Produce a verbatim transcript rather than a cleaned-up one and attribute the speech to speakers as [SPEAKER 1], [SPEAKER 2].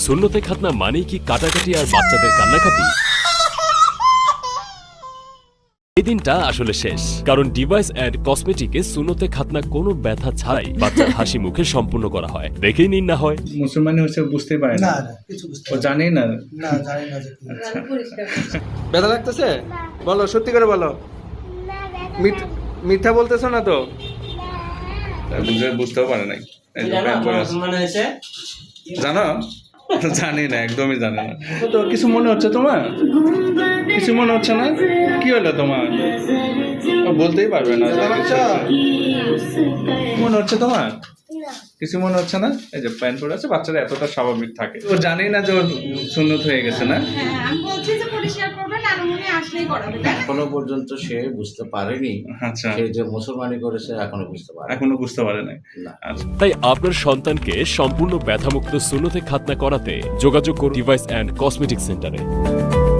[SPEAKER 1] সুন্নতে খাতনা মানেই কি কাটাকাটি আর বাচ্চাদের কান্নাকাটি? এই দিনটা আসলে শেষ, কারণ ডিভাইস অ্যান্ড কসমেটিকে সুন্নতে খাতনা কোনো ব্যথা ছাড়াই বাচ্চার হাসি মুখে সম্পূর্ণ করা হয়। দেখেই নিন না হয়।
[SPEAKER 2] মুসলমান হচ্ছে বুঝতে পারে না,
[SPEAKER 3] না না কিছু বুঝতে
[SPEAKER 2] ও জানেই না।
[SPEAKER 3] না জানি না যে কি।
[SPEAKER 2] আচ্ছা,
[SPEAKER 4] ব্যথা লাগতেছে? বলো, সত্যি করে বলো। মিথ- মিথ্যা বলতেছো না তো?
[SPEAKER 2] তা বুঝে বুঝতেও পারে নাই। এই যে প্যান্ট পরে আছে।
[SPEAKER 5] মনে হয়েছে
[SPEAKER 2] জানো? জানি না, একদমই জানি না। তো কিছু মনে হচ্ছে তোমার? কিছু মনে হচ্ছে না? কি হলো তোমার? ও বলতেই পারবে না যে কিছু হচ্ছে। মনে হচ্ছে তোমার? কিছু মনে হচ্ছে না? এই যে প্যান্ট পরে আছে, বাচ্চারা এতটা স্বাভাবিক থাকে। ও জানেই না যে ওর সুন্নত হয়ে গেছে না?
[SPEAKER 6] হ্যাঁ, আমি বলছি যে পরিষ্কার করবেন আর উনি আসলেই করাবে, তাই না?
[SPEAKER 7] এখনো পর্যন্ত সে বুঝতে পারেনি
[SPEAKER 2] আচ্ছা,
[SPEAKER 7] সে যে মুসলমানি করেছে, এখনো বুঝতে পারে
[SPEAKER 2] এখনো বুঝতে পারে নাই।
[SPEAKER 7] না।
[SPEAKER 2] আচ্ছা,
[SPEAKER 1] তাই আপনার সন্তানকে সম্পূর্ণ ব্যথামুক্ত সুন্নতে খাতনা করাতে যোগাযোগ করুন ডিভাইস অ্যান্ড কসমেটিক সেন্টারে।